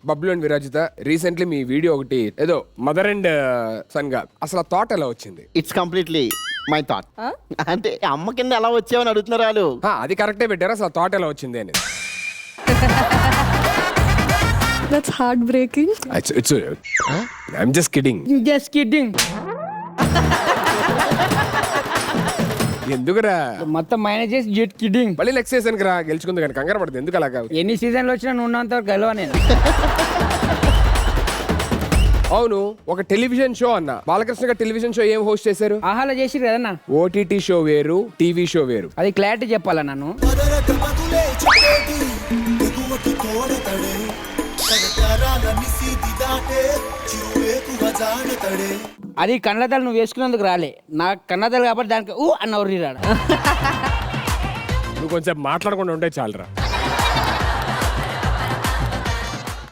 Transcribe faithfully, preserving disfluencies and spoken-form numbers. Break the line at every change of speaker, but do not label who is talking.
Bablu and Virajitha recently మీ video ఒకటి ఏదో మదర్ అండ్ సన్ గా అసలు ఆ థాట్ ఎలా వచ్చింది?
It's completely my thought. అంటే అమ్మ కింద ఎలా వచ్చావని అడుగుతున్నారు వాళ్ళు.
ఆ, అది కరెక్టే పెట్టారు. అసలు థాట్ ఎలా వచ్చింది అని.
That's heartbreaking.
It's, it's, uh, I'm just kidding.
Just kidding.
ఎందుకురా
మొత్తం మైనస్ చేసి జెట్ కిడ్డింగ్.
మళ్ళీ నెక్స్ట్ సీజన్ కి రా, గెలుచుకుంది కానీ కంగారు పడుతుంది. ఎందుకు అలాగా?
ఎన్ని సీజన్లు వచ్చినా నువ్వు ఉన్నంత వరకు గెలవ నేను.
అవును, ఒక టెలివిజన్ షో అన్న బాలకృష్ణ గారు టెలివిజన్ షో ఏం హోస్ట్ చేశారు?
ఆహాలో చేసిరు కదన్నా.
ఓటీటీ షో వేరు, టీవీ షో వేరు.
అది క్లారిటీ చెప్పాలా నన్ను? అది కన్నడలు నువ్వు వేసుకున్నందుకు రాలే, నాకు కన్నడలు కాబట్టి దానికి ఊ అన్న ఊరి రాడు.
నువ్వు కొంచెం మాట్లాడకుండా ఉంటే చాలరా.